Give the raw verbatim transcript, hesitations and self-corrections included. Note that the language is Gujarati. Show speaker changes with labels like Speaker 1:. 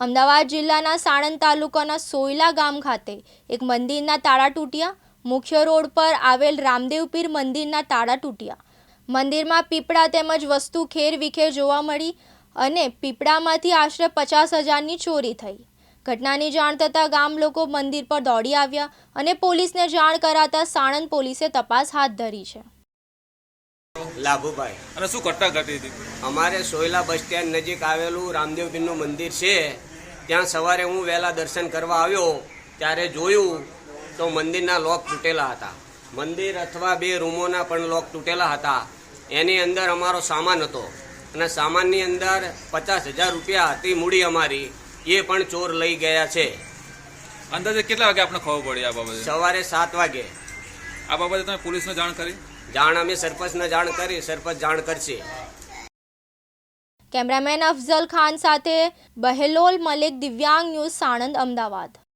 Speaker 1: અમદાવાદ જિલ્લાના સાણંદ તાલુકાના સોયલા ગામ ખાતે એક મંદિરના તાળા તૂટ્યા। મુખ્ય રોડ પર આવેલ રામદેવ પીર મંદિરના તાળા તૂટ્યા। મંદિરમાં પીપળા તેમજ વસ્તુ ખેર વિખેર જોવા મળી અને પીપળામાંથી આશરે પચાસ હજારની ચોરી થઈ। ઘટનાની જાણ થતાં ગામ લોકો મંદિર પર દોડી આવ્યા અને પોલીસને જાણ કરાતા સાણંદ પોલીસે તપાસ હાથ ધરી છે।
Speaker 2: લાભુભાઈ
Speaker 3: અને શું ઘટના ઘટી હતી?
Speaker 2: અમારે સોયલા બસ સ્ટેન્ડ નજીક આવેલું રામદેવ પીરનું મંદિર છે। ત્યાં સવારે હું વહેલા દર્શન કરવા આવ્યો ત્યારે જોયું તો મંદિરના લોક તૂટેલા હતા। મંદિર અથવા બે રૂમોના પણ લોક તૂટેલા હતા। એની અંદર અમારો સામાન હતો અને સામાનની અંદર પચાસ હજાર રૂપિયા હતી મૂડી અમારી, એ પણ ચોર લઈ ગયા છે।
Speaker 3: અંદાજે કેટલા વાગે આપણે ખબર પડી આ બાબતે?
Speaker 2: સવારે સાત વાગે।
Speaker 3: આ બાબતે તમે પોલીસને જાણ કરી?
Speaker 2: જાણ અમે સરપંચને જાણ કરી, સરપંચ જાણ કરશે।
Speaker 1: કેમેરામેન અફઝલ ખાન સાથે બહેલોલ મલિક, દિવ્યાંગ ન્યૂઝ, સાણંદ, અમદાવાદ।